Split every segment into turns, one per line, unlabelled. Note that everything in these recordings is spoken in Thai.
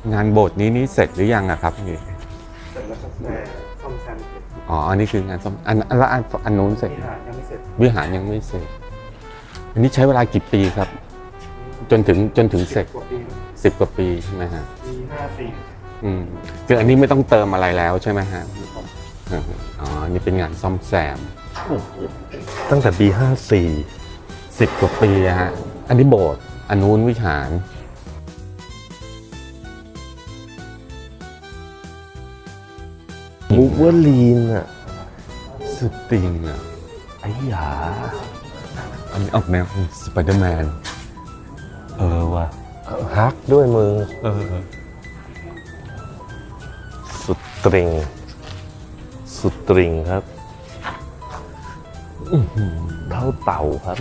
งานโบสถ์นี้เสร็จหรือยังอะครับนี่
เสร็จแล้วครับแต่ซ่อมแซมเสร็จ
อ๋ออันนี้คืองานซ่อมแล้วอันนู้นเสร็จ
วิหารยังไม่เสร็จ
วิหารยังไม่เสร็จอันนี้ใช้เวลากี่ปีครับ จนถึงเสร็จ
กว่าปี
10 กว่าปีใช่ไหมฮะ
ปี54
คืออันนี้ไม่ต้องเติมอะไรแล้วใช่ไหมฮะอ๋ออันนี่เป็นงานซ่อมแซม
ตั้งแต่ปี
10 กว่าปีอะฮะอันนี้โบสถ์อันนู้นวิหาร
54บูเวอร์ลีนอ่ะ
สปริงอะ
ไอ้หยา
อันนี้ออกแนวสไปเดอร์แมนว่ะ
ฮักด้วยมือ สุดตริง สุดตริงครับเท่าเต่าครับ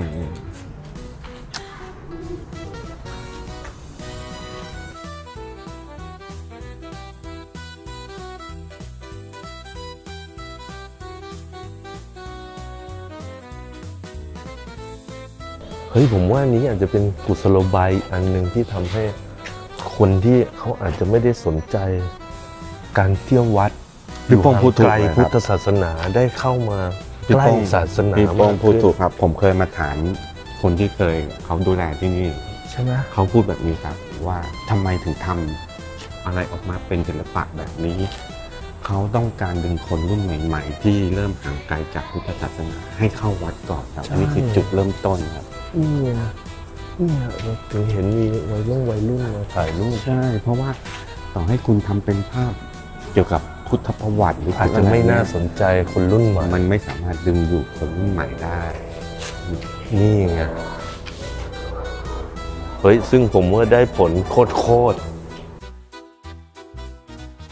เฮ้ยผมว่านี้อาจจะเป็นกุศโลบายอันหนึ่งที่ทำให้คนที่เขาอาจจะไม่ได้สนใจการเที่ยววัด
พี่โป้งพูดถูก
ไกล
เลยค
พุ
รั
ท
บ
ธศาสนาได้เข้ามา
พี่
ใกล้
โป้ง
ศาสนา
พี่โป้ง
มาก
พูด
ขึ้น
ถูกครับ ผมเคยมาถามคนที่เคยเขาดูแลที่นี่
ใช่ไหม
เขาพูดแบบนี้ครับว่าทำไมถึงทำอะไรออกมาเป็นศิลปะแบบนี้ เขาต้องการดึงคนรุ่นใหม่ ๆ ที่เริ่มห่างไกลจากพุทธศาสนาให้เข้าวัดก่อนครับนี่คือจุดเริ่มต้นครับ
เนี่ยเราถึงเห็นมีวัยรุ่นมาถ่ายรูป
ใช่ เพราะว่าต่อให้คุณทำเป็นภาพเกี่ยวกับพุทธประวัติหรือ
อาจจะไม่น่าสนใจคนรุ่นใหม่
มันไม่สามารถดึงดูดคนรุ่นใหม่ได้
นี่ไง เฮ้ย ซึ่งผมว่าได้ผลโคตร